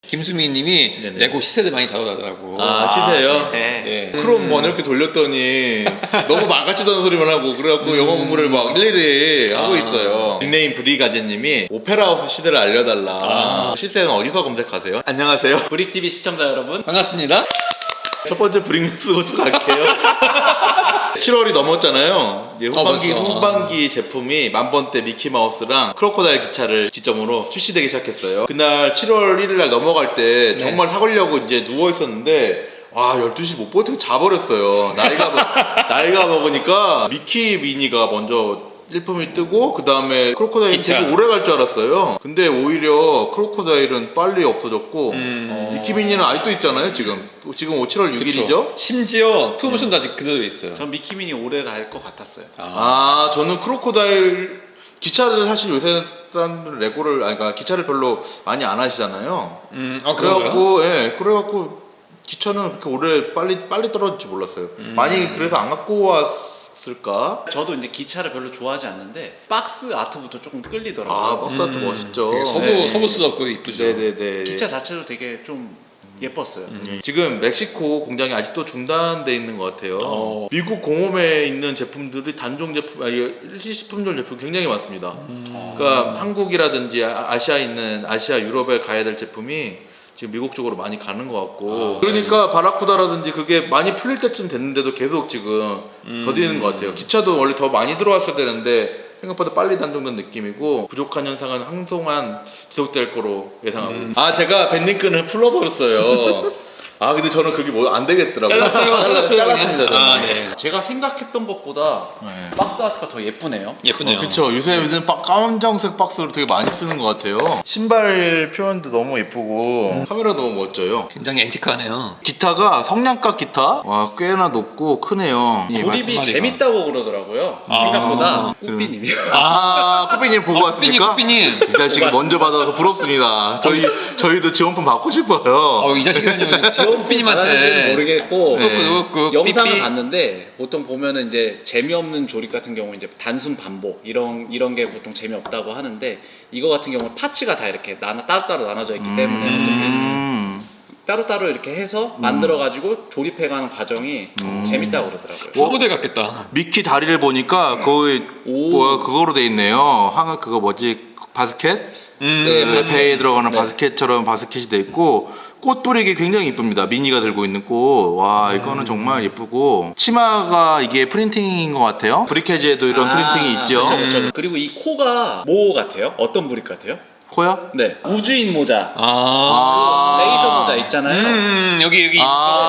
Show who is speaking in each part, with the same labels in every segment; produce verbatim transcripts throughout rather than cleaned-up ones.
Speaker 1: 김수민님이
Speaker 2: 네네.
Speaker 1: 레고 시세를 많이 다루더라고.
Speaker 2: 아, 시세요?
Speaker 3: 시세.
Speaker 1: 네.
Speaker 2: 크롬 원 이렇게 돌렸더니 너무 망가지도 않은 소리만 하고 그래갖고 영어 공부를 막 일일이 하고
Speaker 1: 아.
Speaker 2: 있어요. 닉네임 브리가제님이 오페라하우스 시대를 알려달라.
Speaker 1: 아.
Speaker 2: 시세는 어디서 검색하세요? 안녕하세요.
Speaker 3: 브릭티비 시청자 여러분,
Speaker 1: 반갑습니다.
Speaker 2: 첫 번째 브링스부터 갈게요. 칠월이 넘었잖아요. 이제 후반기,
Speaker 1: 어, 벌써.
Speaker 2: 후반기 제품이 만번대 미키마우스랑 크로코다일 기차를 기점으로 출시되기 시작했어요. 그날 칠월 일일 날 넘어갈 때 정말 사려고 이제 누워있었는데 와 열두 시 못 버티고 자버렸어요. 나이가, 먹- 나이가 먹으니까 미키 미니가 먼저 일품이 뜨고 그 다음에 크로코다일이
Speaker 1: 기차.
Speaker 2: 되게 오래 갈 줄 알았어요. 근데 오히려 크로코다일은 빨리 없어졌고
Speaker 1: 음.
Speaker 2: 미키 미니는 아직도 있잖아요. 지금 지금 칠월 육 일이죠.
Speaker 1: 심지어 프로모션도 아직 그대로 있어요.
Speaker 3: 전 미키미니 오래 갈 것 같았어요.
Speaker 2: 아 저는 크로코다일 기차를 사실 요새 사람들 레고를 아니 그러니까 기차를 별로 많이 안 하시잖아요.
Speaker 1: 음, 아, 그런가요?
Speaker 2: 그래갖고 예 그래갖고 기차는 그렇게 오래 빨리 빨리 떨어질지 몰랐어요.
Speaker 1: 음.
Speaker 2: 많이 그래서 안 갖고 왔을까?
Speaker 3: 저도 이제 기차를 별로 좋아하지 않는데 박스 아트부터 조금 끌리더라고요.
Speaker 2: 아 박스 아트
Speaker 1: 음,
Speaker 2: 멋있죠.
Speaker 1: 되게 서부,
Speaker 2: 네.
Speaker 1: 서부스럽고 이쁘죠.
Speaker 2: 네네네.
Speaker 3: 기차 자체도 되게 좀 예뻤어요.
Speaker 2: 음. 지금 멕시코 공장이 아직도 중단돼 있는 것 같아요.
Speaker 1: 어.
Speaker 2: 미국 공홈에 있는 제품들이 단종 제품, 아니 일시식품종 제품 굉장히 많습니다.
Speaker 1: 음.
Speaker 2: 그러니까 한국이라든지 아- 아시아에 있는 아시아 유럽에 가야 될 제품이 지금 미국 쪽으로 많이 가는 것 같고.
Speaker 1: 아,
Speaker 2: 그러니까 바라쿠다라든지 그게 많이 풀릴 때쯤 됐는데도 계속 지금
Speaker 1: 음.
Speaker 2: 더디는 것 같아요. 기차도 원래 더 많이 들어왔어야 되는데 생각보다 빨리 단종된 느낌이고 부족한 현상은 한동안 지속될 거로 예상하고.
Speaker 1: 음.
Speaker 2: 아 제가 밴딩끈을 풀어버렸어요. 아 근데 저는 그게 뭐 안 되겠더라고요.
Speaker 1: 잘랐어요, 잘랐어요.
Speaker 2: 잘랐습니다.
Speaker 1: 그냥.
Speaker 2: 저는.
Speaker 1: 아, 네.
Speaker 3: 제가 생각했던 것보다
Speaker 2: 네.
Speaker 3: 박스 아트가 더 예쁘네요.
Speaker 1: 예쁘네요.
Speaker 2: 어, 그쵸. 요새 요즘 빡- 까만정색 박스로 되게 많이 쓰는 것 같아요. 신발 표현도 너무 예쁘고 카메라 너무 멋져요.
Speaker 1: 굉장히 앤티크하네요.
Speaker 2: 기타가 성냥갑 기타 와 꽤나 높고 크네요. 예,
Speaker 3: 조립이
Speaker 1: 말씀하니까.
Speaker 3: 재밌다고 그러더라고요.
Speaker 1: 아.
Speaker 3: 생각보다 꾸삐님이요.
Speaker 2: 아 꾸삐님 보고
Speaker 1: 어,
Speaker 2: 왔습니까?
Speaker 1: 꾸삐님, 꾸삐님.
Speaker 2: 이 자식 먼저 받아서 부럽습니다. 저희 저희도 지원품 받고 싶어요.
Speaker 1: 어, 이 자식은요,
Speaker 3: 잘하는지는
Speaker 1: 삐님한테.
Speaker 3: 모르겠고
Speaker 2: 네.
Speaker 1: 그, 그,
Speaker 3: 영상을
Speaker 1: 삐삐.
Speaker 3: 봤는데 보통 보면은 이제 재미없는 조립 같은 경우 이제 단순 반복 이런 이런 게 보통 재미없다고 하는데 이거 같은 경우는 파츠가 다 이렇게 나눠 따로따로 나눠져 있기 때문에 어차피
Speaker 2: 음.
Speaker 3: 따로따로 이렇게 해서 만들어 가지고 조립해가는 과정이 재밌다고 그러더라고요.
Speaker 1: 서부대 같겠다.
Speaker 2: 미키 다리를 보니까 거의
Speaker 3: 오.
Speaker 2: 뭐야 그거로 돼 있네요. 항 그거 뭐지 바스켓?
Speaker 1: 음,
Speaker 2: 네,
Speaker 1: 네,
Speaker 2: 배에 들어가는
Speaker 3: 네.
Speaker 2: 바스켓처럼 바스켓이 돼 있고 꽃 뿌리기 굉장히 이쁩니다. 미니가 들고 있는 꽃. 와 이거는 정말 예쁘고 치마가 이게 프린팅인 것 같아요. 브리케지에도 이런
Speaker 3: 아,
Speaker 2: 프린팅이 있죠.
Speaker 3: 그쵸, 그쵸. 그리고 이 코가 뭐 같아요? 어떤 브릭 같아요?
Speaker 2: 코요?
Speaker 3: 네, 우주인 모자,
Speaker 1: 아.
Speaker 3: 레이저 모자 있잖아요.
Speaker 1: 음, 여기, 여기.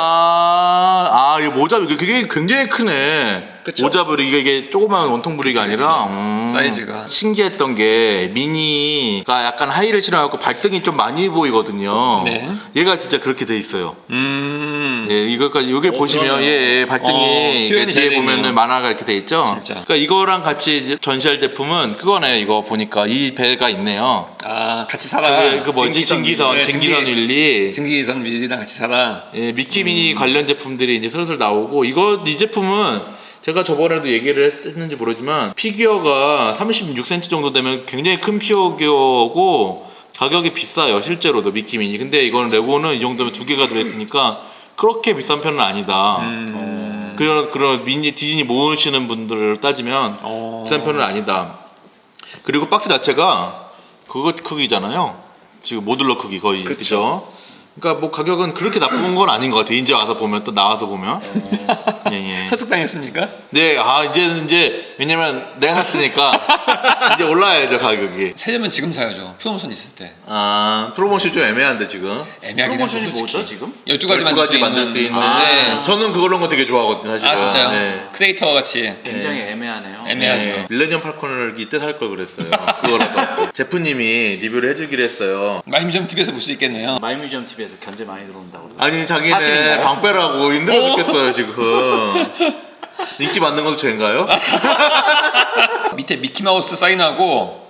Speaker 2: 아, 아, 이거 모자, 이게 그게 굉장히 크네.
Speaker 3: 그쵸?
Speaker 2: 모자 브릭이 이게 조그만 원통 브릭이
Speaker 1: 그치,
Speaker 2: 아니라
Speaker 1: 그치.
Speaker 2: 음.
Speaker 1: 사이즈가.
Speaker 2: 신기했던 게 미니가 약간 하이를 신어갖고 발등이 좀 많이 보이거든요.
Speaker 1: 네.
Speaker 2: 얘가 진짜 그렇게 돼 있어요.
Speaker 1: 음.
Speaker 2: 예, 이거까지 여기
Speaker 3: 어,
Speaker 2: 보시면
Speaker 3: 그러네요.
Speaker 2: 예, 예, 발등이
Speaker 1: 어,
Speaker 2: 이게
Speaker 1: 표현이 잘
Speaker 2: 뒤에
Speaker 1: 되네요.
Speaker 2: 보면은 만화가 이렇게 돼 있죠.
Speaker 1: 진짜.
Speaker 2: 그러니까 이거랑 같이 이제 전시할 제품은 그거네요. 이거 보니까 이 배가 있네요.
Speaker 1: 아, 같이 살아.
Speaker 2: 그, 그 뭐지 증기선,
Speaker 1: 네,
Speaker 2: 증기선
Speaker 1: 증기-
Speaker 2: 윌리.
Speaker 1: 증기선 밀리랑 같이 살아.
Speaker 2: 예, 미키미니 관련 제품들이 이제 슬슬 나오고 이거 이 제품은 제가 저번에도 얘기를 했는지 모르지만 피규어가 삼십육 센티미터 정도 되면 굉장히 큰 피규어고 가격이 비싸요 실제로도 미키미니. 근데 이거는 레고는 이 정도면 두 개가 들어있으니까 그렇게 비싼 편은 아니다.
Speaker 1: 음.
Speaker 2: 그런 그런 미니 디즈니 모으시는 분들을 따지면
Speaker 1: 어.
Speaker 2: 비싼 편은 아니다. 그리고 박스 자체가 그거 크기잖아요. 지금 모듈러 크기 거의
Speaker 3: 그쵸.
Speaker 2: 그죠? 그러니까 뭐 가격은 그렇게 나쁜 건 아닌 것 같아요. 이제 와서 보면 또 나와서 보면. 예, 예.
Speaker 1: 설득당했습니까?
Speaker 2: 네, 아 이제는 이제 왜냐면 내가 샀으니까 이제 올라야죠 가격이.
Speaker 1: 사려면 지금 사야죠. 프로모션 있을 때.
Speaker 2: 아 프로모션 좀 애매한데 지금.
Speaker 1: 애매하긴
Speaker 3: 프로모션이
Speaker 1: 하죠, 솔직히.
Speaker 3: 뭐죠, 지금?
Speaker 1: 열두 가지 만들 수 있는.
Speaker 2: 만들 수 있는.
Speaker 3: 아.
Speaker 1: 네.
Speaker 2: 저는 그런 거 되게 좋아하거든요. 사실은.
Speaker 1: 아, 진짜요?
Speaker 2: 네.
Speaker 1: 크리에이터 같이.
Speaker 3: 굉장히 애매하네요.
Speaker 1: 애매하죠.
Speaker 2: 네, 밀레니엄 팔콘을 이때 살 걸 그랬어요. 그거라도. 제프님이 리뷰를 해주기로 했어요.
Speaker 1: 마이뮤지엄 티비에서 볼 수 있겠네요.
Speaker 3: 마이뮤지엄 티비에서 견제 많이 들어온다고 그러더라고요.
Speaker 2: 아니 자기는
Speaker 3: 사실인가요?
Speaker 2: 방 빼라고 힘들어
Speaker 1: 오.
Speaker 2: 죽겠어요 지금. 인기 받는 것도 죄인가요?
Speaker 1: 밑에 미키마우스 사인하고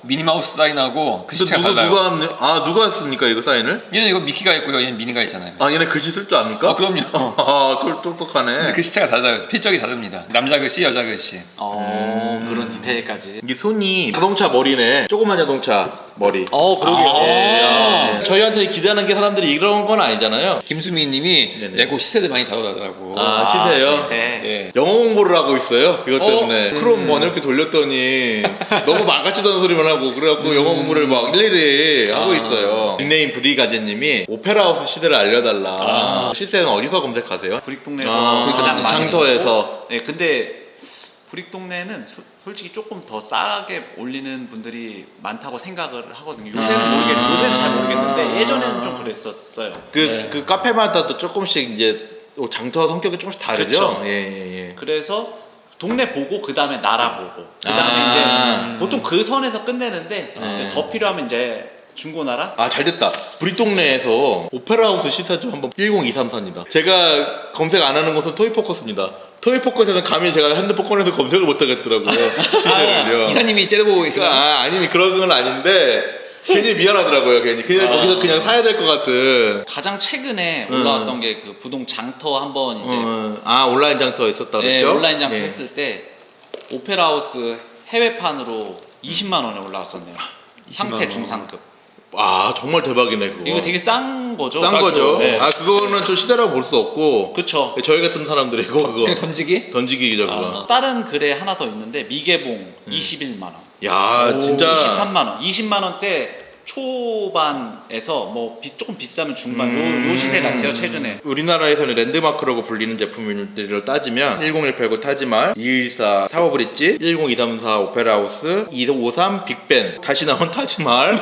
Speaker 1: 미니마우스 사인하고 글씨체가
Speaker 2: 누구
Speaker 1: 달라요.
Speaker 2: 누가 합니- 아 누가 했습니까 이거 사인을?
Speaker 1: 얘는 이거 미키가 있고요. 얘는 미니가 있잖아요.
Speaker 2: 아 얘네 글씨 쓸 줄 압니까?
Speaker 1: 아, 그럼요.
Speaker 2: 아 똑- 똑똑하네.
Speaker 1: 근데 글씨체가 달라요. 필적이 다릅니다. 남자 글씨, 여자 글씨.
Speaker 3: 어 그런 디테일까지.
Speaker 2: 이게 손이 자동차 머리네. 조그만 자동차 머리.
Speaker 3: 어 그러게요.
Speaker 1: 아.
Speaker 2: 예, 아, 네. 저희한테 기대하는 게 사람들이 이런 건 아니잖아요.
Speaker 1: 김수미님이
Speaker 2: 네네.
Speaker 1: 레고 시세들 많이 다루더라고.
Speaker 2: 아, 시세요?
Speaker 3: 시세.
Speaker 1: 네.
Speaker 2: 영어 공부를 하고 있어요. 그것
Speaker 1: 어?
Speaker 2: 때문에 크롬 뭐 이렇게 돌렸더니 너무 말 같지도 않은 소리만 하고 그래갖고 영어 공부를 막 일일이 하고
Speaker 1: 아.
Speaker 2: 있어요. 닉네임 브리가제님이 오페라하우스 시대를 알려달라.
Speaker 1: 아.
Speaker 2: 시세는 어디서 검색하세요?
Speaker 3: 브릭동네에서
Speaker 2: 아,
Speaker 3: 가장 많이
Speaker 2: 장터에서.
Speaker 3: 네, 근데 브릭동네는 소- 솔직히 조금 더 싸게 올리는 분들이 많다고 생각을 하거든요. 요새는
Speaker 2: 아.
Speaker 3: 모르겠, 요새는 잘 모르겠는데 예전에는 좀 그랬었어요.
Speaker 2: 그,
Speaker 1: 네.
Speaker 2: 그 카페마다 또 조금씩 이제 장터 성격이 조금씩 다르죠?
Speaker 3: 그쵸.
Speaker 2: 예, 예, 예.
Speaker 3: 그래서 동네 보고 그 다음에 나라 보고 그 다음에
Speaker 2: 아.
Speaker 3: 이제 보통 그 선에서 끝내는데 이제 더 필요하면 이제 중고나라.
Speaker 2: 아, 잘 됐다. 브리동네에서 오페라하우스 시사 좀 한번 일공이삼사입니다. 제가 검색 안 하는 곳은 토이포커스입니다. 토이포커스에는 감히 제가 핸드폰 꺼내서 검색을 못 하겠더라고요. 시세를요.
Speaker 1: 아, 이사님이 째려보고 계시나?
Speaker 2: 아, 아니면 그런 건 아닌데 괜히 미안하더라고요. 괜히 그냥
Speaker 1: 아.
Speaker 2: 거기서 그냥 사야 될 것 같은.
Speaker 3: 가장 최근에 올라왔던 게 그 부동 장터 한번 이제
Speaker 2: 어, 아, 온라인 장터 있었다
Speaker 3: 네,
Speaker 2: 그랬죠?
Speaker 3: 온라인 장터
Speaker 2: 예.
Speaker 3: 했을 때 오페라하우스 해외판으로 이십만 원에 올라왔었네요.
Speaker 1: 이십만
Speaker 3: 상태
Speaker 1: 원.
Speaker 3: 중상급.
Speaker 2: 아, 정말 대박이네 그거.
Speaker 3: 이거 되게 싼 거죠.
Speaker 2: 싼
Speaker 1: 싸죠.
Speaker 2: 거죠.
Speaker 3: 네.
Speaker 2: 아, 그거는 좀 시대라고 볼 수 없고.
Speaker 3: 그쵸.
Speaker 2: 저희 같은 사람들이고 그거
Speaker 1: 그냥 던지기?
Speaker 2: 던지기죠 그거.
Speaker 3: 다른 글에 하나 더 있는데 미개봉 이십일만 원,
Speaker 2: 야,
Speaker 1: 오,
Speaker 2: 진짜.
Speaker 3: 이십삼만 원, 이십만 원대 초반에서 뭐 비- 조금 비싸면 중반
Speaker 2: 음.
Speaker 3: 요, 요 시세 같아요 최근에.
Speaker 2: 우리나라에서는 랜드마크라고 불리는 제품들을 따지면 일공일팔구 타지말, 이일사 타워브릿지, 일공이삼사 오페라하우스, 이오삼 빅벤, 다시 나온 타지말,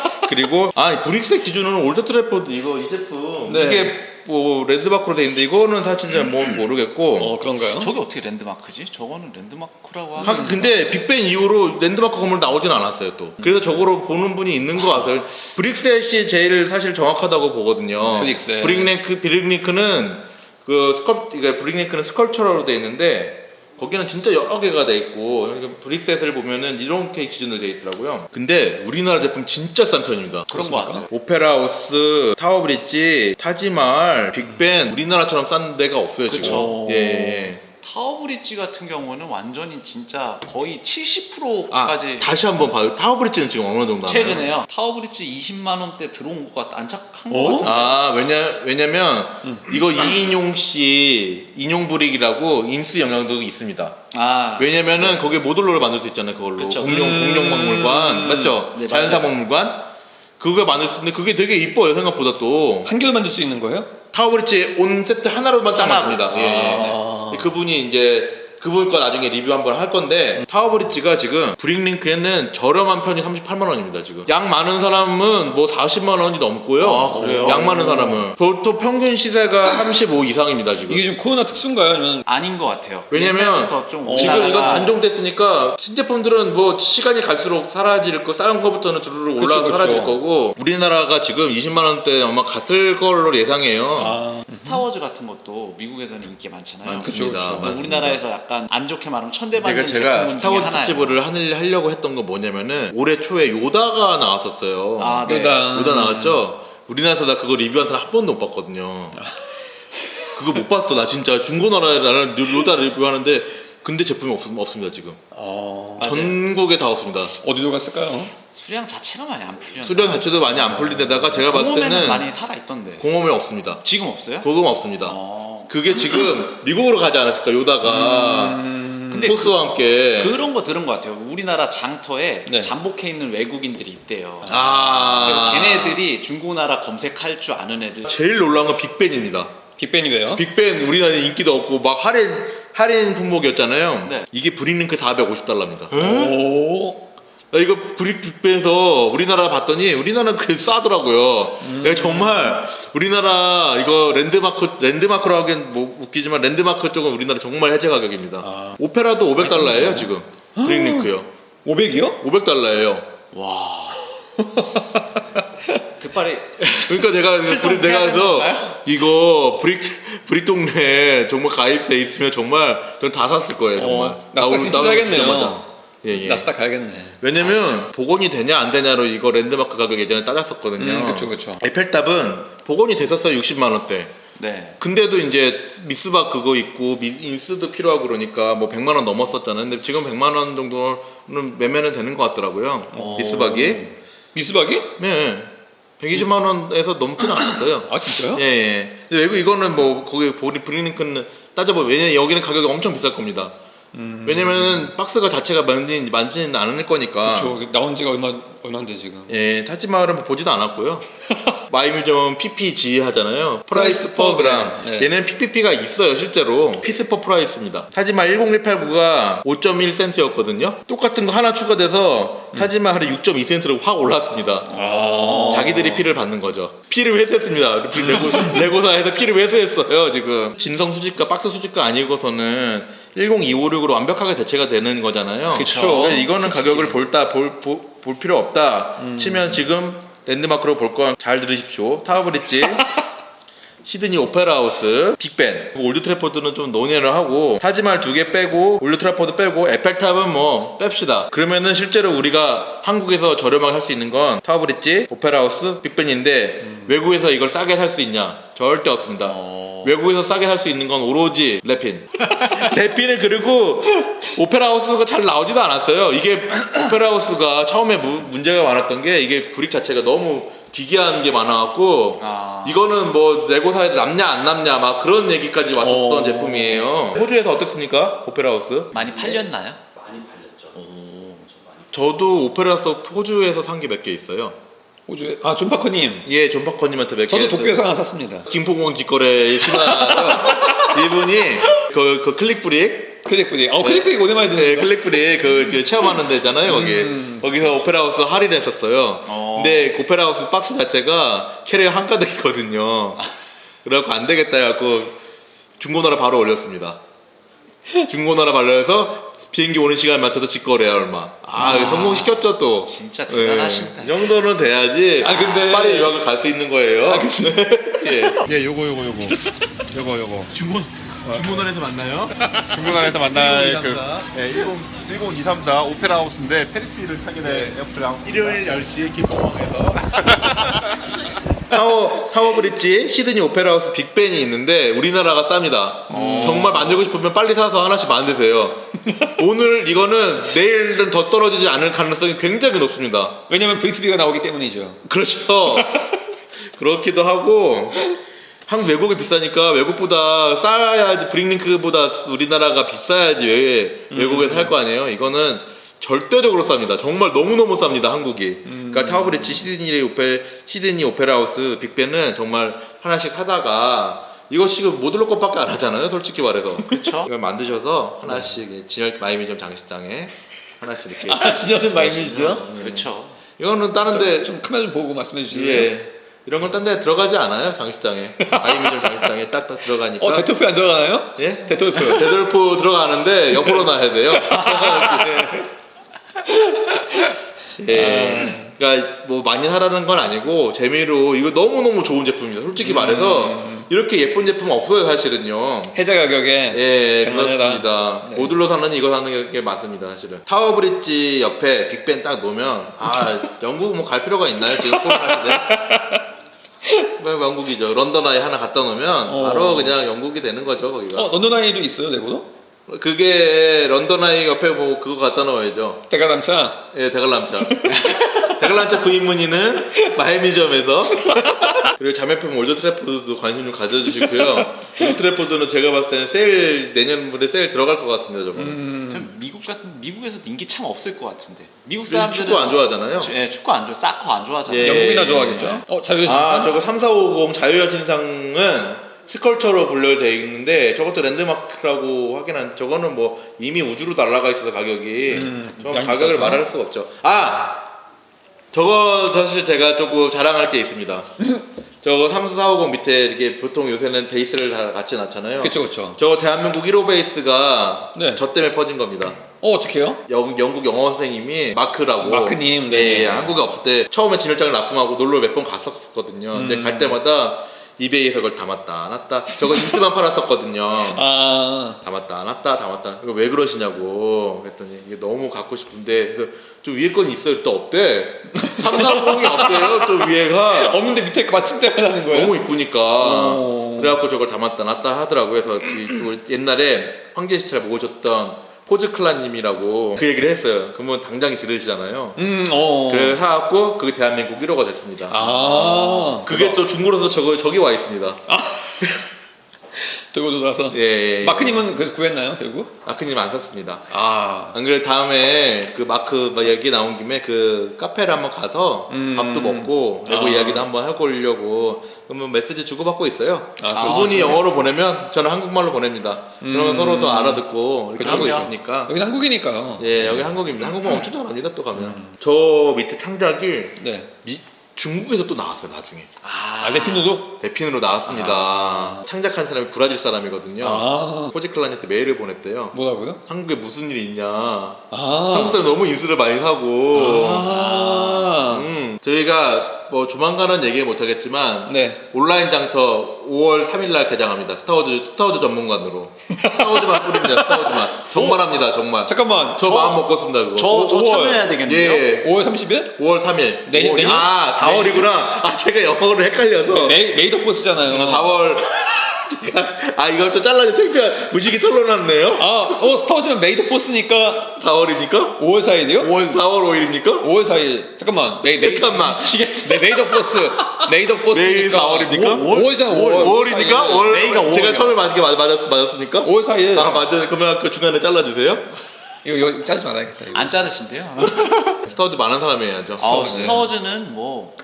Speaker 2: 그리고 아 브릭색 기준으로는 올드 트래포드 이거 이 제품
Speaker 1: 네.
Speaker 2: 이게 뭐 랜드마크로 돼 있는데 이거는 사실 잘 뭐 모르겠고.
Speaker 1: 어, 그런가요?
Speaker 3: 저게 어떻게 랜드마크지? 저거는 랜드마크라고 하는.
Speaker 2: 하, 근데 빅벤 이후로 랜드마크 건물 나오진 않았어요 또. 그래서 저거로 보는 분이 있는 것 같아요. 브릭셋이 제일 사실 정확하다고 보거든요.
Speaker 1: 브릭셋.
Speaker 2: 브릭네크 브릭네크는 그 스컬 그러니까 브릭네크는 스컬처러로 돼 있는데 거기는 진짜 여러 개가 돼 있고 그러니까 브릭셋을 보면은 이렇게 기준으로 돼 있더라고요. 근데 우리나라 제품 진짜 싼 편입니다.
Speaker 3: 그런 거 같아요.
Speaker 2: 오페라하우스, 타워브릿지, 타지말, 빅벤 우리나라처럼 싼 데가 없어요 지금.
Speaker 3: 그쵸.
Speaker 2: 예. 예.
Speaker 3: 타워브릿지 같은 경우는 완전히 진짜 거의 칠십
Speaker 2: 아
Speaker 3: 퍼센트까지
Speaker 2: 다시 한번 봐요. 타워브릿지는 지금 어느 정도 하나요?
Speaker 3: 최근에요. 타워브릿지 이십만 원대 들어온 것 같, 안착한 것
Speaker 1: 어?
Speaker 3: 같은데.
Speaker 2: 아 왜냐 왜냐면 이거 이인용 씨 인용 브릭이라고 인수 영향도 있습니다.
Speaker 3: 아,
Speaker 2: 왜냐면은 거기에 모듈러를 만들 수 있잖아요. 그걸로
Speaker 3: 그쵸.
Speaker 2: 공룡
Speaker 1: 음.
Speaker 2: 공룡 박물관 맞죠?
Speaker 3: 네,
Speaker 2: 자연사
Speaker 3: 맞아요.
Speaker 2: 박물관 그거 만들 수 있는데 그게 되게 이뻐요 생각보다 또.
Speaker 1: 한 개로 만들 수 있는 거예요?
Speaker 2: 타워브릿지 온 세트 하나로만 딱
Speaker 3: 하나로.
Speaker 2: 만듭니다. 예, 예.
Speaker 1: 아.
Speaker 2: 그분이 이제 그분 거 나중에 리뷰 한번 할 건데 타워브릿지가 지금 브릭링크에는 저렴한 편이 삼십팔만 원입니다 지금. 양 많은 사람은 뭐 사십만 원이 넘고요.
Speaker 3: 아, 그래요?
Speaker 2: 양 많은 사람은 보통 평균 시세가 삼십오 이상입니다 지금.
Speaker 1: 이게 좀 코로나 특수인가요? 아니면
Speaker 3: 아닌 것 같아요.
Speaker 2: 왜냐면
Speaker 3: 옛날부터 좀
Speaker 2: 지금
Speaker 3: 올라가다가
Speaker 2: 이거 단종됐으니까 신제품들은 뭐 시간이 갈수록 사라질 거 싼 거부터는 주르륵
Speaker 1: 그쵸,
Speaker 2: 올라가
Speaker 1: 그쵸.
Speaker 2: 사라질 거고 우리나라가 지금 이십만 원대 아마 갔을 걸로 예상해요.
Speaker 1: 아,
Speaker 3: 스타워즈 같은 것도 미국에서는 인기 많잖아요.
Speaker 2: 많습니다.
Speaker 1: 그쵸, 그쵸.
Speaker 3: 뭐
Speaker 2: 맞습니다.
Speaker 3: 우리나라에서 약간 안 좋게 말하면 천대받는
Speaker 2: 그러니까 제가
Speaker 3: 제품 중에
Speaker 2: 스타워즈
Speaker 3: 하나예요.
Speaker 2: 특집을 하늘- 하려고 했던 건 뭐냐면은 올해 초에 요다가 나왔었어요.
Speaker 3: 아, 네.
Speaker 1: 요다.
Speaker 2: 요다 나왔죠? 우리나라에서 나 그거 리뷰한 사람 한 번도 못 봤거든요. 그거 못 봤어. 나 진짜 중고나라에 나는 요다 리뷰하는데 근데 제품이 없, 없습니다 지금.
Speaker 1: 어,
Speaker 3: 맞아요.
Speaker 2: 전국에 다 없습니다.
Speaker 1: 어디로 갔을까요?
Speaker 3: 수량 자체가 많이 안 풀려.
Speaker 2: 수량 자체도 많이 안 풀린 데다가 제가 봤을
Speaker 3: 공홈에는
Speaker 2: 때는
Speaker 3: 많이 살아 있던데.
Speaker 2: 공홈에 없습니다.
Speaker 3: 지금 없어요?
Speaker 2: 그건 없습니다.
Speaker 3: 어.
Speaker 2: 그게 지금 미국으로 가지 않았을까 요다가
Speaker 3: 근데
Speaker 2: 포스와 함께.
Speaker 3: 그런 거 들은 것 같아요. 우리나라 장터에
Speaker 1: 네.
Speaker 3: 잠복해 있는 외국인들이 있대요.
Speaker 2: 아
Speaker 3: 그래서 걔네들이 중고나라 검색할 줄 아는 애들.
Speaker 2: 제일 놀라운 건 빅벤입니다.
Speaker 1: 빅벤이 왜요?
Speaker 2: 빅벤 우리나라에 인기도 없고 막 할인 할인 품목이었잖아요.
Speaker 3: 네.
Speaker 2: 이게 브릭링크 사백오십 달러입니다.
Speaker 1: 오,
Speaker 2: 나 이거 브릭 빅벤에서 우리나라 봤더니 우리나라는 그 싸더라고요. 내가 정말 우리나라 이거 랜드마크 랜드마크로 하기엔 뭐 웃기지만 랜드마크 쪽은 우리나라 정말 해제 가격입니다.
Speaker 1: 아.
Speaker 2: 오페라도 오백 달러예요 지금. 브릭링크요.
Speaker 1: 오백이요?
Speaker 2: 오백 달러예요.
Speaker 3: 와. 득발이.
Speaker 2: 그러니까 내가
Speaker 3: 출동
Speaker 2: 브릭, 내가
Speaker 3: 해야 되는
Speaker 2: 해서
Speaker 3: 건가요?
Speaker 2: 이거 브릭 브릭 동네에 정말 가입돼 있으면 정말 전 다 샀을 거예요 정말.
Speaker 1: 어, 나스닥
Speaker 2: 나오-
Speaker 1: 신청해야겠네요.
Speaker 2: 나오자마자. 예, 예.
Speaker 1: 나스닥 가야겠네.
Speaker 2: 왜냐면 복원이 되냐 안 되냐로 이거 랜드마크 가격 예전에 따졌었거든요.
Speaker 1: 음, 그쵸, 그쵸.
Speaker 2: 에펠탑은 복원이 됐었어요. 육십만 원대.
Speaker 3: 네.
Speaker 2: 근데도 이제 미스박 그거 있고 미, 인수도 필요하고 그러니까 뭐 백만 원 넘었었잖아요. 근데 지금 백만 원 정도는 매매는 되는 것 같더라고요.
Speaker 1: 오.
Speaker 2: 미스박이.
Speaker 1: 미스박이?
Speaker 2: 네. 백이십만 원에서 넘지는 않았어요.
Speaker 1: 아 진짜요?
Speaker 2: 예, 예. 근데 외국 이거는 뭐 거기 보리 브링링크는 따져보면 왜냐면 여기는 가격이 엄청 비쌀 겁니다.
Speaker 1: 음.
Speaker 2: 왜냐면은 박스가 자체가 많진 많지는 않을 거니까.
Speaker 1: 그렇죠. 나온 지가 얼마 얼마인데 지금.
Speaker 2: 예, 타지마을은 보지도 않았고요. 마이뮤지엄 피피지 하잖아요.
Speaker 1: 프라이스
Speaker 2: 프라이스 퍼 그램.
Speaker 1: 네.
Speaker 2: 얘는 피피피가 있어요, 실제로. 피스 퍼 프라이스입니다. 타지마 일공일팔구가 오 점 일 센트였거든요. 똑같은 거 하나 추가돼서 타지마할이 육 점 이 센트로 확 올랐습니다.
Speaker 1: 아.
Speaker 2: 자기들이 피를 받는 거죠. 피를 회수했습니다. 레고, 레고사에서 피를 회수했어요, 지금. 진성 수집가, 박스 수집가 아니고서는 일공이오육으로 완벽하게 대체가 되는 거잖아요.
Speaker 1: 그쵸.
Speaker 2: 그래서 이거는
Speaker 1: 솔직히.
Speaker 2: 가격을 볼다 볼, 볼, 볼 필요 없다
Speaker 1: 음.
Speaker 2: 치면 지금 랜드마크로 볼 건 잘 들으십시오. 타워브릿지, 시드니 오페라 하우스, 빅벤. 올드 트래포드는 좀 논의를 하고 타지마할 두 개 빼고 올드 트래포드 빼고 에펠탑은 뭐 뺍시다. 그러면은 실제로 우리가 한국에서 저렴하게 살 수 있는 건 타워브릿지, 오페라 하우스, 빅벤인데
Speaker 1: 음.
Speaker 2: 외국에서 이걸 싸게 살 수 있냐? 절대 없습니다.
Speaker 3: 어...
Speaker 2: 외국에서 싸게 살 수 있는 건 오로지 래핀. 래핀은 그리고 오페라 하우스가 잘 나오지도 않았어요. 이게 오페라 하우스가 처음에 무, 문제가 많았던 게 이게 브릭 자체가 너무 기괴한 게 많아갖고
Speaker 3: 아...
Speaker 2: 이거는 뭐 레고사에 남냐 안 남냐 막 그런 얘기까지 왔었던
Speaker 1: 어...
Speaker 2: 제품이에요. 호주에서 어떻습니까? 오페라 하우스?
Speaker 3: 많이 팔렸나요?
Speaker 4: 많이 팔렸죠.
Speaker 3: 오...
Speaker 2: 저도 오페라 하우스 호주에서 산 게 몇 개 있어요.
Speaker 1: 호주에 아 존파커님.
Speaker 2: 예, 존파커님한테 몇 개.
Speaker 1: 저도 도쿄에서 하나 샀습니다.
Speaker 2: 김포공항 직거래 신화죠. 이분이 그, 그 클릭브릭
Speaker 1: 클릭브릭. 어 클릭브릭 오랜만에
Speaker 2: 네,
Speaker 1: 듣는다.
Speaker 2: 클릭브릭 그, 그 체험하는 데잖아요, 거기.
Speaker 1: 음,
Speaker 2: 거기서 오페라 하우스 할인했었어요.
Speaker 3: 어.
Speaker 2: 근데 오페라 하우스 박스 자체가 캐리어 한가득이거든요. 그래갖고 안 되겠다 해갖고 중고나라 바로 올렸습니다. 중고나라 발려서 비행기 오는 시간 맞춰서 직거래 얼마. 아,
Speaker 3: 아.
Speaker 2: 성공시켰죠 또.
Speaker 3: 진짜
Speaker 2: 예.
Speaker 3: 대단하신다.
Speaker 2: 이 정도는 돼야지
Speaker 1: 아, 근데-
Speaker 2: 파리 유학을 갈 수 있는 거예요.
Speaker 1: 아, 근데-
Speaker 2: 예.
Speaker 5: 예, 요거 요거 요거 요거 요거
Speaker 2: 중고 중고나라에서 만나요?
Speaker 5: 중고나라에서 만날 그
Speaker 2: 일공이삼사.
Speaker 5: 예, 십, 일공이삼사 오페라 하우스인데 페리스를 타게 될 오페라 하우스.
Speaker 2: 일요일 열 시에 김포공항에서 타워 타워 브릿지 시드니 오페라 하우스 빅벤이 있는데 우리나라가 쌉니다. 정말 만들고 싶으면 빨리 사서 하나씩 만드세요. 오늘 이거는 내일은 더 떨어지지 않을 가능성이 굉장히 높습니다.
Speaker 1: 왜냐면 브이티비가 나오기 때문이죠.
Speaker 2: 그렇죠. 그렇기도 하고 한국 외국이 비싸니까 외국보다 싸야지 브링링크보다 우리나라가 비싸야지 왜 외국에서 할 거 아니에요. 이거는 절대적으로 쌉니다. 정말 너무너무 쌉니다. 한국이. 그러니까 타워브릿지, 시드니 오페 시드니 오페라 하우스, 빅벤은 정말 하나씩 사다가 이거 지금 못 올릴 것밖에 안 하잖아요. 솔직히 말해서.
Speaker 3: 그쵸?
Speaker 2: 이걸 만드셔서 하나씩 진열 마이뮤지엄 장식장에 하나씩 이렇게.
Speaker 1: 아 진현은 마이밀죠?
Speaker 2: 네.
Speaker 3: 그렇죠.
Speaker 2: 이거는 다른데
Speaker 1: 좀 카메라 좀 보고 말씀해 주실래요?
Speaker 2: 예. 이런 건 딴 데 들어가지 않아요. 장식장에. 마이뮤지엄 장식장에 딱딱 들어가니까.
Speaker 1: 어 데토프 안 들어가나요?
Speaker 2: 예?
Speaker 1: 데토프.
Speaker 2: 데돌프 들어가는데 옆으로 놔야 돼요. 예. 그러니까 뭐 많이 사라는 건 아니고 재미로 이거 너무너무 좋은 제품입니다. 솔직히 말해서 이렇게 예쁜 제품은 없어요, 사실은요.
Speaker 1: 해자 가격에
Speaker 2: 예,
Speaker 1: 장난해라.
Speaker 2: 그렇습니다.
Speaker 1: 네.
Speaker 2: 모듈로 사는 이거 사는 게 맞습니다, 사실은. 타워 브릿지 옆에 빅벤 딱 놓으면 아, 영국 뭐 갈 필요가 있나요, 지금 코로나 시대? 뭐 영국이죠. 런던 아이 하나 갖다 놓으면
Speaker 1: 어.
Speaker 2: 바로 그냥 영국이 되는 거죠, 거기가.
Speaker 1: 어 런던 아이도 있어요 레고도?
Speaker 2: 그게 런던 아이 옆에 뭐 그거 갖다 놓아야죠.
Speaker 1: 대가담차.
Speaker 2: 예, 대관람차. 대관람차 구입 문의는 마이뮤지엄에서. 그리고 자매품 올드 트래포드도 관심 좀 가져주시고요. 올드 트래포드는 제가 봤을 때는 세일 내년물에 세일 들어갈 것 같습니다, 저거.
Speaker 1: 음.
Speaker 3: 좀 미국 같은 미국에서 인기 참 없을 것 같은데. 미국
Speaker 2: 사람들은
Speaker 3: 사람들은
Speaker 2: 축구 안 좋아하잖아요.
Speaker 3: 주- 예, 축구 안 좋아, 사커 안 좋아하잖아요.
Speaker 2: 예.
Speaker 1: 영국이나 좋아하겠죠? 어 자유의
Speaker 2: 아,
Speaker 1: 신상?
Speaker 2: 저거 삼사오공 자유의 신상은 스컬처로 분류되어 있는데 저것도 랜드마크라고 하긴 한 저거는 뭐 이미 우주로 날아가 있어서 가격이
Speaker 1: 음,
Speaker 2: 저
Speaker 1: 양이
Speaker 2: 가격을
Speaker 1: 비싸서?
Speaker 2: 말할 수가 없죠. 아, 저거 사실 제가 조금 자랑할 게 있습니다. 저거 삼사오공 밑에 이렇게 보통 요새는 베이스를 다 같이 놨잖아요.
Speaker 1: 그쵸 그쵸.
Speaker 2: 저거 대한민국 일 호 베이스가
Speaker 1: 네.
Speaker 2: 저 때문에 퍼진 겁니다.
Speaker 1: 어 어떡해요?
Speaker 2: 영, 영국 영어 선생님이 마크라고
Speaker 1: 마크님, 네.
Speaker 2: 예, 예, 한국에 없을 때 처음에 진열장을 납품하고 놀러 몇 번 갔었거든요. 근데
Speaker 1: 음.
Speaker 2: 갈 때마다 이베이에서 그걸 담았다 놨다. 저거 인스만 팔았었거든요.
Speaker 1: 아.
Speaker 2: 담았다 놨다 담았다. 이거 왜 그러시냐고 그랬더니 이게 너무 갖고 싶은데 좀 위에 건 있어요. 또 없대. 삼삼공이 없대요. 또 위에가
Speaker 1: 없는데 밑에 거 받침대가 나는 거야.
Speaker 2: 너무 이쁘니까.
Speaker 1: 오.
Speaker 2: 그래갖고 저걸 담았다 놨다 하더라고요. 그래서 그 옛날에 황제시찰 모으셨던 포즈클라님이라고 그 얘기를 했어요. 그러면 당장이 지르시잖아요.
Speaker 1: 음, 어.
Speaker 2: 그래서 사갖고 그게 대한민국 일 호가 됐습니다.
Speaker 1: 아.
Speaker 2: 그게 또 중고로서 저거 저기 와 있습니다.
Speaker 1: 들고 돌아서.
Speaker 2: 예, 예, 예.
Speaker 1: 마크님은 그래서 구했나요, 결국?
Speaker 2: 마크님 안 샀습니다.
Speaker 1: 아.
Speaker 2: 안 그래 다음에 그 마크 막 얘기 나온 김에 그 카페를 한번 가서
Speaker 1: 음.
Speaker 2: 밥도 먹고 레고
Speaker 1: 아.
Speaker 2: 이야기도 한번 해보려고 그러면 메시지 주고받고 있어요.
Speaker 1: 아,
Speaker 2: 그분이 영어로 보내면 저는 한국말로 보냅니다. 그러면
Speaker 1: 음.
Speaker 2: 서로 더 알아듣고 이렇게
Speaker 1: 그쵸,
Speaker 2: 하고
Speaker 3: 그쵸.
Speaker 2: 있으니까.
Speaker 1: 여긴 한국이니까요.
Speaker 2: 예, 여기 한국입니다. 한국말 엄청 잘합니다. 또 가면.
Speaker 1: 음.
Speaker 2: 저 밑에 창작이
Speaker 1: 네.
Speaker 2: 미, 중국에서 또 나왔어요. 나중에.
Speaker 1: 아, 레피노도?
Speaker 2: 랩핀으로 나왔습니다.
Speaker 1: 아.
Speaker 2: 창작한 사람이 브라질 사람이거든요.
Speaker 1: 아.
Speaker 2: 포지클란한테 메일을 보냈대요.
Speaker 1: 뭐라고요?
Speaker 2: 한국에 무슨 일이 있냐.
Speaker 1: 아.
Speaker 2: 한국 사람 너무 인수를 많이 사고.
Speaker 1: 아.
Speaker 2: 음, 저희가 뭐 조만간은 얘기를 못하겠지만
Speaker 1: 네.
Speaker 2: 온라인 장터 오월 삼일날 개장합니다. 스타워즈 스타워즈 전문관으로 스타워즈만 뿌립니다. 스타워즈만 정말 합니다. 정말.
Speaker 1: 잠깐만.
Speaker 2: 저, 마음 먹었습니다. 그거.
Speaker 3: 저, 저
Speaker 1: 오월.
Speaker 3: 참여해야 되겠네요.
Speaker 2: 예.
Speaker 1: 오월 삼십일?
Speaker 2: 오월 삼일.
Speaker 1: 내년- 내년?
Speaker 2: 아 사월이구나. 아 제가 영어를 헷갈려서.
Speaker 1: 메이, 메이드 포스잖아요.
Speaker 2: 사월. 제가 아 이걸 또 잘라서 창피한 무식이 털러놨네요.
Speaker 1: 아, 어, 스타워즈면 메이드 포스니까
Speaker 2: 사월입니까?
Speaker 1: 오월 사일이요?
Speaker 2: 오월 사월 오일입니까?
Speaker 1: 오월 사일. 잠깐만. 메이, 메이,
Speaker 2: 잠깐만.
Speaker 1: 미치겠. 네, 메이드 포스. 메이드 포스니까.
Speaker 2: 내일 사월입니까?
Speaker 1: 오월이잖아. 오월.
Speaker 2: 오월입니까? 월
Speaker 3: 메이가
Speaker 2: 제가
Speaker 3: 오월이요.
Speaker 2: 처음에 맞게 맞, 맞았, 맞았습니까?
Speaker 1: 오월 사일.
Speaker 2: 아 맞아요. 그러면 그 중간에 잘라주세요.
Speaker 1: 이거, 이거 짜지 말아야겠다. 이거.
Speaker 3: 안 자르신데요?
Speaker 2: 스타워즈 많은 사람이 해야죠.
Speaker 3: 아,
Speaker 1: 스타워즈.
Speaker 3: 스타워즈는 뭐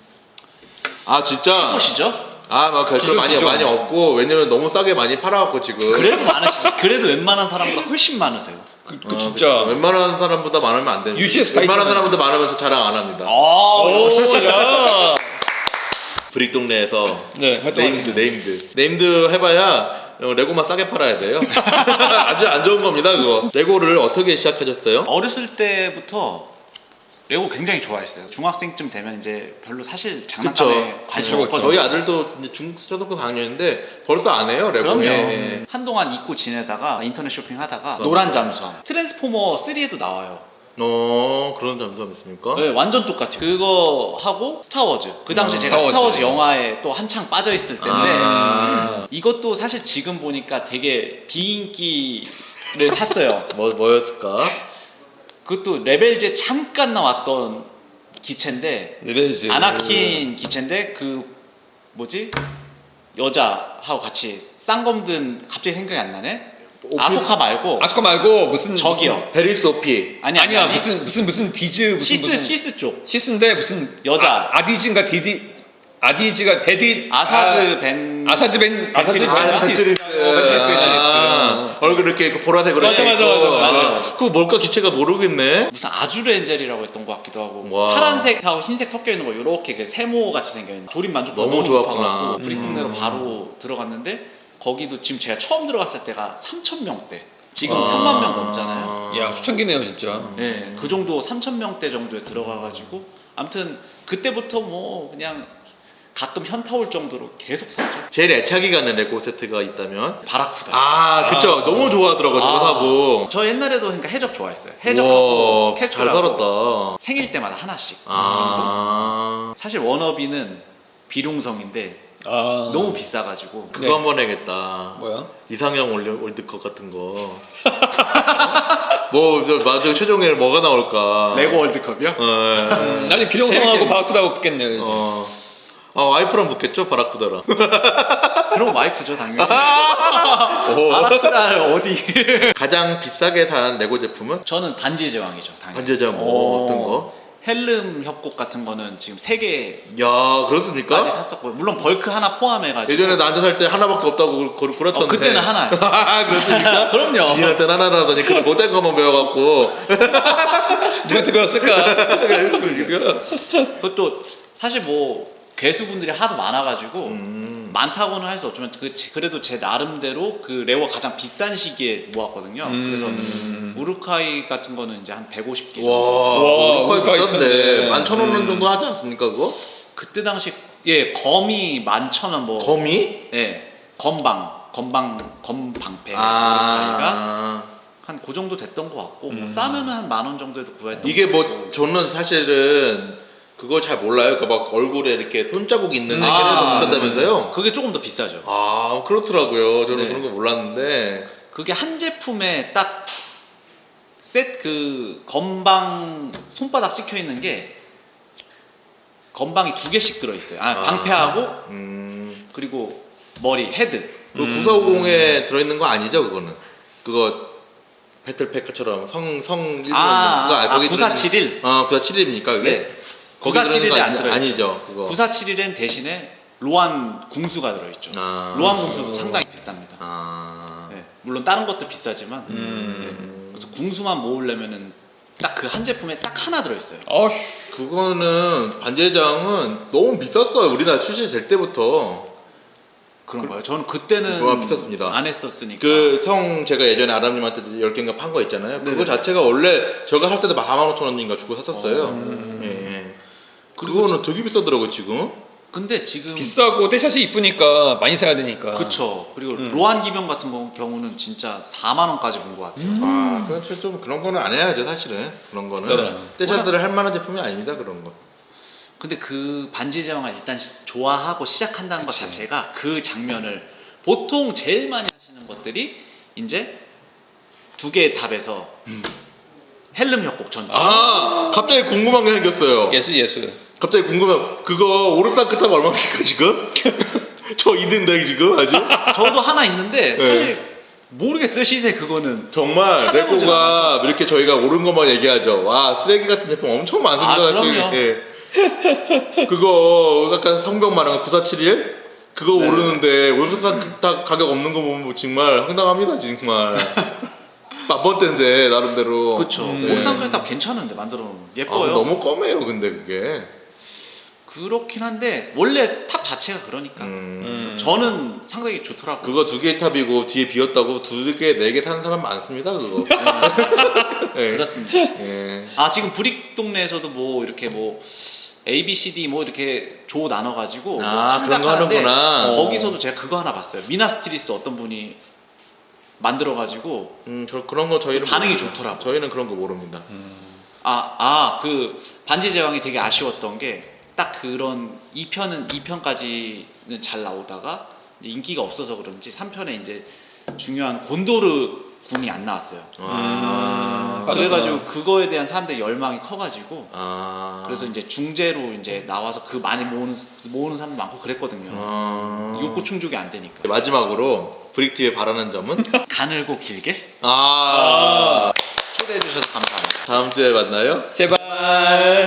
Speaker 2: 아 진짜.
Speaker 3: 보시죠?
Speaker 2: 아막 그
Speaker 1: 지죠,
Speaker 2: 많이
Speaker 1: 지죠.
Speaker 2: 많이 없고 왜냐면 너무 싸게 많이 팔아갖고 지금.
Speaker 3: 그래도 많으시죠. 그래도 웬만한 사람보다 훨씬 많으세요.
Speaker 1: 그, 그 진짜.
Speaker 2: 웬만한 사람보다 많으면 안 됩니다.
Speaker 1: 유시에스 다
Speaker 2: 웬만한
Speaker 1: 있잖아요.
Speaker 2: 사람보다 많으면 저 자랑 안 합니다.
Speaker 1: 오, 야.
Speaker 2: 브릭 동네에서
Speaker 1: 네,
Speaker 2: 네임드
Speaker 1: 활동하시네.
Speaker 2: 네임드 네임드 해봐야 레고만 싸게 팔아야 돼요. 아주 안 좋은 겁니다 그거. 레고를 어떻게 시작하셨어요?
Speaker 3: 어렸을 때부터 레고 굉장히 좋아했어요. 중학생쯤 되면 이제 별로 사실 장난감에 관심
Speaker 1: 그쵸, 그쵸.
Speaker 3: 없거든요.
Speaker 2: 저희 아들도 이제 중 초등학교 사 학년인데 벌써 안 해요 레고.
Speaker 3: 그럼요.
Speaker 2: 예.
Speaker 3: 한동안 잊고 지내다가 인터넷 쇼핑하다가 노란 잠수함 트랜스포머 쓰리에도 나와요.
Speaker 2: 어 그런 점점 있습니까?
Speaker 3: 네, 완전 똑같아요. 그거 하고 스타워즈. 그 당시
Speaker 1: 어,
Speaker 3: 제가
Speaker 1: 스타워즈.
Speaker 3: 스타워즈 영화에 또 한창 빠져 있을 때인데
Speaker 2: 아.
Speaker 3: 이것도 사실 지금 보니까 되게 비인기를 샀어요.
Speaker 2: 뭐 뭐였을까?
Speaker 3: 그것도 레벨제 잠깐 나왔던 기체인데
Speaker 1: 레벨즈.
Speaker 3: 아나킨 기체인데 그 뭐지 여자하고 같이 쌍검든 갑자기 생각이 안 나네.
Speaker 2: 오피-
Speaker 3: 아소카 말고
Speaker 1: 아스카 말고 무슨
Speaker 3: 저기요.
Speaker 2: 베리 소피.
Speaker 3: 아니 아니,
Speaker 1: 아니야
Speaker 3: 아니.
Speaker 1: 무슨 무슨 무슨 디즈 무슨
Speaker 3: 시스
Speaker 1: 무슨
Speaker 3: 시스 쪽
Speaker 1: 시스인데 무슨
Speaker 3: 여자.
Speaker 1: 아, 아디즈인가 디디 아디즈가 베디
Speaker 3: 아사즈 벤
Speaker 1: 아, 아사즈 벤 아사즈
Speaker 3: 벤트리스.
Speaker 1: 벤
Speaker 3: 아,
Speaker 1: 벤트리스 어, 벤트리스
Speaker 2: 아, 얼굴 이렇게 보라색으로
Speaker 1: 맞아,
Speaker 2: 이렇게
Speaker 1: 맞아,
Speaker 2: 있고.
Speaker 1: 맞아,
Speaker 3: 맞아.
Speaker 2: 그거 뭘까 기체가 모르겠네.
Speaker 3: 무슨 아주르엔젤이라고 했던 것 같기도 하고
Speaker 2: 와.
Speaker 3: 파란색하고 흰색 섞여 있는 거 이렇게 그 세모 같이 생겨 있는 조립 만족도
Speaker 2: 너무
Speaker 3: 너무,
Speaker 2: 좋았구나.
Speaker 3: 높아가지고
Speaker 2: 음.
Speaker 3: 브릭동네로 바로 들어갔는데 거기도 지금 제가 처음 들어갔을 때가 삼천 명대 지금
Speaker 2: 아.
Speaker 3: 삼만 명 넘잖아요.
Speaker 1: 야 초창기네요 진짜.
Speaker 3: 네, 그 정도 삼천 명대 정도에 들어가가지고 아무튼 그때부터 뭐 그냥 가끔 현타 올 정도로 계속 샀죠.
Speaker 2: 제일 애착이 가는 레고 세트가 있다면
Speaker 3: 바라쿠다.
Speaker 2: 아 그쵸
Speaker 1: 아.
Speaker 2: 너무 좋아하더라고 저거
Speaker 3: 아,
Speaker 2: 사고.
Speaker 3: 저 옛날에도 그러니까 해적 좋아했어요. 해적하고
Speaker 2: 우와, 잘
Speaker 3: 캐슬하고
Speaker 2: 살았다.
Speaker 3: 생일 때마다 하나씩. 정도.
Speaker 2: 아
Speaker 3: 사실 워너비는 비룡성인데
Speaker 1: 아
Speaker 3: 너무 비싸가지고
Speaker 2: 그거
Speaker 1: 네.
Speaker 2: 한번 해야겠다.
Speaker 1: 뭐야?
Speaker 2: 이상형 월드, 월드컵 같은 거. 뭐 맞아 최종에 뭐가 나올까?
Speaker 3: 레고 월드컵이요?
Speaker 2: 어.
Speaker 1: 나중에 비룡성하고 바쿠다하고 붙겠네요 이제.
Speaker 2: 어. 아 와이프랑 붙겠죠 바라쿠다랑.
Speaker 3: 그럼 와이프죠 당연히.
Speaker 2: 오.
Speaker 3: 바라쿠다를 어디?
Speaker 2: 가장 비싸게 산 레고 제품은
Speaker 3: 저는 반지의 제왕이죠 당연히.
Speaker 2: 반지의 제왕 뭐 어떤 거?
Speaker 3: 헬름 협곡 같은 거는 지금 세 개까지
Speaker 2: 야 그렇습니까?
Speaker 3: 샀었고요. 물론 벌크 하나 포함해가지고.
Speaker 2: 예전에 나한테 살 때 하나밖에 없다고 구- 구라쳤는데
Speaker 3: 어, 그때는 하나였어.
Speaker 2: 그렇습니까?
Speaker 3: 그럼요.
Speaker 2: 지인한테 하나라더니 그런 못된 것만 배워갖고
Speaker 1: 누구한테 배웠을까?
Speaker 2: 그랬습니까?
Speaker 3: 그것도 사실 뭐 괴수분들이 하도 많아가지고
Speaker 2: 음.
Speaker 3: 많다고는 할 수 없지만 그 제- 그래도 제 나름대로 그 레고가 가장 비싼 시기에 모았거든요.
Speaker 1: 음.
Speaker 3: 그래서 우루카이 같은 거는 이제 한 백오십 개
Speaker 2: 와,
Speaker 3: 정도.
Speaker 1: 와,
Speaker 2: 우루카이
Speaker 1: 우루카이
Speaker 2: 비싼데
Speaker 1: 비싼데.
Speaker 2: 만 천 원
Speaker 1: 음.
Speaker 2: 정도 하지 않습니까 그거?
Speaker 3: 그때 당시 예, 검이 만천원 뭐.
Speaker 2: 거미?
Speaker 3: 예, 건방, 건방, 건방패 이렇게 아이가
Speaker 2: 아.
Speaker 3: 한 그 정도 됐던 것 같고 뭐 싸면은 한 만 원 정도에도 구했던
Speaker 2: 이게
Speaker 3: 것
Speaker 2: 뭐
Speaker 3: 같고.
Speaker 2: 저는 사실은 그걸 잘 몰라요. 그러니까 막 얼굴에 이렇게 손자국 있는 게
Speaker 3: 아,
Speaker 2: 더 비싼다면서요?
Speaker 3: 그게 조금 더 비싸죠.
Speaker 2: 아 그렇더라고요. 저는
Speaker 3: 네.
Speaker 2: 그런 거 몰랐는데.
Speaker 3: 그게 한 제품에 딱 셋 그 건방 손바닥 찍혀 있는 게 건방이 두 개씩 들어 있어요. 아,
Speaker 2: 아.
Speaker 3: 방패하고
Speaker 2: 음.
Speaker 3: 그리고 머리 헤드.
Speaker 2: 그 구사오공에 들어있는 거 아니죠, 그거는? 그거 배틀팩처럼 성성 일본
Speaker 3: 아,
Speaker 2: 그거
Speaker 3: 아,
Speaker 2: 거기
Speaker 3: 구사칠일?
Speaker 2: 들어있는- 어, 구사칠일입니까 그게?
Speaker 3: 네.
Speaker 2: 거기 들어있는
Speaker 3: 구사칠일에
Speaker 2: 거
Speaker 3: 안
Speaker 2: 아니-
Speaker 3: 들어있죠.
Speaker 2: 아니죠, 그거.
Speaker 3: 구사칠일엔 대신에 로안 궁수가 들어있죠.
Speaker 2: 아,
Speaker 3: 로안
Speaker 2: 궁수.
Speaker 3: 궁수도 상당히 비쌉니다.
Speaker 2: 아.
Speaker 3: 네, 물론 다른 것도 비싸지만
Speaker 2: 음.
Speaker 3: 네, 그래서 궁수만 모으려면은 딱 그 한 제품에 딱 하나 들어있어요.
Speaker 1: 어휴.
Speaker 2: 그거는 반제장은 너무 비쌌어요. 우리나라 출시될 때부터.
Speaker 3: 그런가요? 저는 그때는
Speaker 2: 그거 비쌌습니다.
Speaker 3: 안 했었으니까.
Speaker 2: 그 성 제가 예전에 아람님한테 열 개인가 판 거 있잖아요. 그거
Speaker 3: 네네.
Speaker 2: 자체가 원래 제가 살 때도 사만 오천 원인가 주고 샀었어요. 예, 예. 그거는 되게 비싸더라고요 지금.
Speaker 3: 근데 지금
Speaker 1: 비싸고 떼샷이 이쁘니까 많이 사야 되니까.
Speaker 3: 그쵸. 그리고 로안 기병 같은 거- 경우는 진짜 사만 원까지 본 것 같아요.
Speaker 2: 아, 그래서 좀 그런 거는 안 해야죠 사실은. 그런 거는
Speaker 1: 비싸다.
Speaker 2: 떼샷들을 할 만한 제품이 아닙니다 그런 거.
Speaker 3: 근데 그 반지 제왕을 일단 시- 좋아하고 시작한다는
Speaker 1: 그치.
Speaker 3: 것 자체가 그 장면을 보통 제일 많이 하시는 것들이 이제 두 개의 탑에서 헬름 협곡 전투.
Speaker 2: 아, 갑자기 궁금한 게 생겼어요.
Speaker 1: 예스 예스.
Speaker 2: 갑자기 궁금한 그거 오르사크 탑 얼마입니까 지금? 저 있는데 지금 아직?
Speaker 3: 저도 하나 있는데
Speaker 2: 네.
Speaker 3: 사실 모르겠어요 시세 그거는.
Speaker 2: 정말
Speaker 3: 찾아보지
Speaker 2: 레고가 이렇게 저희가 옳은 것만 얘기하죠. 와 쓰레기 같은 제품 엄청 많습니다.
Speaker 3: 아, 그럼요.
Speaker 2: 저희. 예. 그거 아까 성병 말한 구사칠일 그거
Speaker 3: 네.
Speaker 2: 오르는데 오르사크 탑 가격 없는 거 보면 뭐 정말 황당합니다 정말. 만번대인데 나름대로.
Speaker 3: 그쵸.
Speaker 1: 음.
Speaker 3: 오르산크의 탑 괜찮은데 만들어 놓으면
Speaker 2: 아,
Speaker 3: 예뻐요.
Speaker 2: 너무 껌해요 근데 그게.
Speaker 3: 그렇긴 한데 원래 탑 자체가 그러니까
Speaker 2: 음.
Speaker 3: 저는 상당히 좋더라고요.
Speaker 2: 그거 두 개의 탑이고 뒤에 비었다고 두 개, 네 개 사는 사람 많습니다 그거. 예.
Speaker 3: 그렇습니다.
Speaker 2: 예.
Speaker 3: 아 지금 브릭 동네에서도 뭐 이렇게 뭐 A, B, C, D 뭐 이렇게 조 나눠가지고 뭐
Speaker 2: 아, 그런 거
Speaker 3: 창작하는데
Speaker 2: 하는구나.
Speaker 3: 거기서도 제가 그거 하나 봤어요. 미나스트리스 어떤 분이 만들어가지고
Speaker 2: 음, 저 그런 거 저희는
Speaker 3: 반응이
Speaker 2: 모릅니다.
Speaker 3: 좋더라고요.
Speaker 2: 저희는 그런 거 모릅니다.
Speaker 3: 아 아 그 반지 제왕이 되게 아쉬웠던 게 딱 그런 이 편은 이 편까지는 잘 나오다가 이제 인기가 없어서 그런지 삼 편에 이제 중요한 곤도르 군이 안 나왔어요.
Speaker 2: 아.
Speaker 1: 맞아.
Speaker 3: 그래가지고 그거에 대한 사람들의 열망이 커가지고
Speaker 2: 아.
Speaker 3: 그래서 이제 중재로 이제 나와서 그 많이 모으는 모으는 사람도 많고 그랬거든요.
Speaker 2: 아.
Speaker 3: 욕구 충족이 안 되니까.
Speaker 2: 마지막으로 브릭티에 바라는 점은
Speaker 3: 가늘고 길게
Speaker 2: 아.
Speaker 3: 초대해 주셔서 감사합니다.
Speaker 2: 다음 주에 만나요.
Speaker 1: 제발.